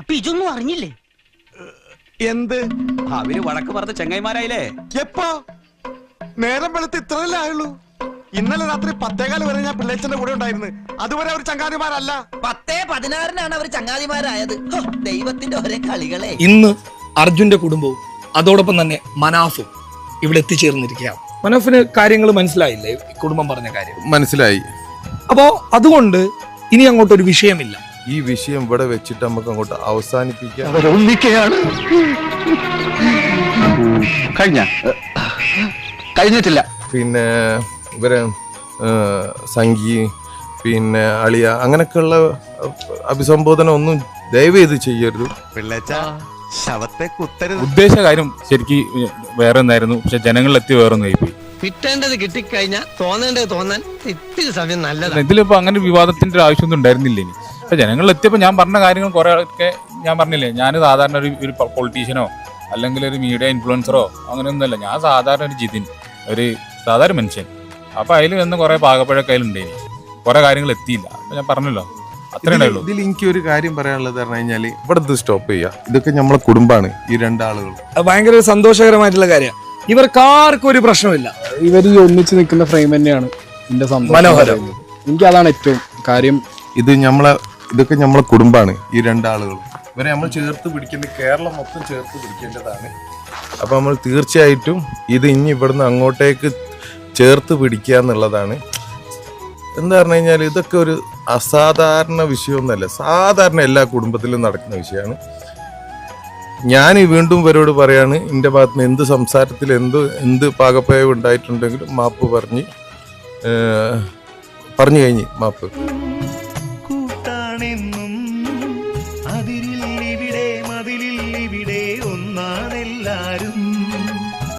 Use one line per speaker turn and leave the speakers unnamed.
അപ്പൊ ഇതൊന്നും അറിഞ്ഞില്ലേ?
എന്ത്?
അവര് വഴക്ക് പറഞ്ഞ ചെങ്ങായിമാരായില്ലേ?
എപ്പോ? നേരം വെളുത്ത് ഇത്രയല്ലേ ആയുള്ളൂ. ഇന്നലെ രാത്രി 10:15 വരെ ഞാൻ പിള്ളേച്ചന്റെ കൂടെ ഉണ്ടായിരുന്നു. അതുവരെ അവർ ചങ്ങാതിമാരല്ല.
10:16 അവർ ചങ്ങാതിമാരായത്. ദൈവത്തിന്റെ ഒരേ കളികളെ.
ഇന്ന് അർജുന്റെ കുടുംബവും അതോടൊപ്പം തന്നെ മനാഫും ഇവിടെ എത്തിച്ചേർന്നിരിക്കുകയാണ്. മനാഫിന് കാര്യങ്ങൾ മനസ്സിലായില്ലേ? കുടുംബം പറഞ്ഞ കാര്യം
മനസ്സിലായി.
അപ്പോ അതുകൊണ്ട് ഇനി അങ്ങോട്ടൊരു വിഷയമില്ല.
ഈ വിഷയം ഇവിടെ വെച്ചിട്ട് നമുക്ക് അങ്ങോട്ട് അവസാനിപ്പിക്കാം.
കഴിഞ്ഞിട്ടില്ല.
പിന്നെ ഇവരെ സംഗി പിന്നെ അളിയ അങ്ങനെയൊക്കെയുള്ള അഭിസംബോധന ഒന്നും ദയവ് ചെയ്ത് ചെയ്യരുത്.
പിള്ളേച്ച ശവത്തെ കുത്തരുത്.
ഉദ്ദേശ കാര്യം ശരിക്കും വേറെ ഒന്നായിരുന്നു, പക്ഷെ ജനങ്ങളിലെത്തി വേറെ ഒന്നായി പോയി.
കിട്ടേണ്ടത് കിട്ടിക്കഴിഞ്ഞാൽ തോന്നേണ്ടത് തോന്നാൻ ഇത്തിരി സമയം നല്ലതാണ്.
ഇതിലിപ്പോ അങ്ങനെ വിവാദത്തിന്റെ ഒരു ആവശ്യമൊന്നും ഉണ്ടായിരുന്നില്ല. ഇനി പക്ഷെ ജനങ്ങളിലെത്തിയപ്പോൾ ഞാൻ പറഞ്ഞ കാര്യങ്ങൾ കുറെ ഒക്കെ ഞാൻ പറഞ്ഞില്ലേ, ഞാൻ സാധാരണ ഒരു പൊളിറ്റീഷ്യനോ അല്ലെങ്കിൽ ഒരു മീഡിയ ഇൻഫ്ലുവൻസറോ അങ്ങനെയൊന്നുമല്ല. ഞാൻ സാധാരണ ഒരു ജിതിൻ, ഒരു സാധാരണ മനുഷ്യൻ. അപ്പൊ അതിൽ വന്ന് കുറെ പാകപ്പഴൊക്കെ അതിലുണ്ടായിനി, കുറെ കാര്യങ്ങൾ എത്തിയില്ല. അപ്പൊ ഞാൻ പറഞ്ഞല്ലോ, അത്രേ ഉണ്ടായുള്ളൂ.
ഇതിൽ എനിക്ക് ഒരു കാര്യം പറയാനുള്ളത് പറഞ്ഞു കഴിഞ്ഞാല് ഇവിടെ ഇത് സ്റ്റോപ്പ് ചെയ്യാം. ഇതൊക്കെ നമ്മളെ കുടുംബമാണ് ഈ രണ്ടാളുകൾ.
ഭയങ്കര സന്തോഷകരമായിട്ടുള്ള കാര്യമാണ്. ഇവർക്കാർക്കും ഒരു പ്രശ്നമില്ല.
ഇവർ ഈ ഒന്നിച്ച് നിൽക്കുന്ന ഫ്രെയിം തന്നെയാണ് എന്റെ
മനോഹരം.
എനിക്ക് അതാണ് ഏറ്റവും കാര്യം.
ഇതൊക്കെ നമ്മളെ കുടുംബമാണ് ഈ രണ്ടാളുകൾ. ഇവരെ നമ്മൾ ചേർത്ത് പിടിക്കേണ്ടത്, കേരളം മൊത്തം ചേർത്ത് പിടിക്കേണ്ടതാണ്. അപ്പൊ നമ്മൾ തീർച്ചയായിട്ടും ഇത് ഇനി ഇവിടുന്ന് അങ്ങോട്ടേക്ക് ചേർത്ത് പിടിക്കുക എന്നുള്ളതാണ്. എന്താ പറഞ്ഞു കഴിഞ്ഞാൽ ഇതൊക്കെ ഒരു അസാധാരണ വിഷയമൊന്നുമല്ല, സാധാരണ എല്ലാ കുടുംബത്തിലും നടക്കുന്ന വിഷയമാണ്. ഞാൻ വീണ്ടും ഇവരോട് പറയാണ്, എൻ്റെ ഭാഗത്ത് നിന്ന് എന്ത് സംസാരത്തിൽ എന്ത് പാകപ്പയവ് ഉണ്ടായിട്ടുണ്ടെങ്കിലും മാപ്പ് പറഞ്ഞു കഴിഞ്ഞ് മാപ്പ്.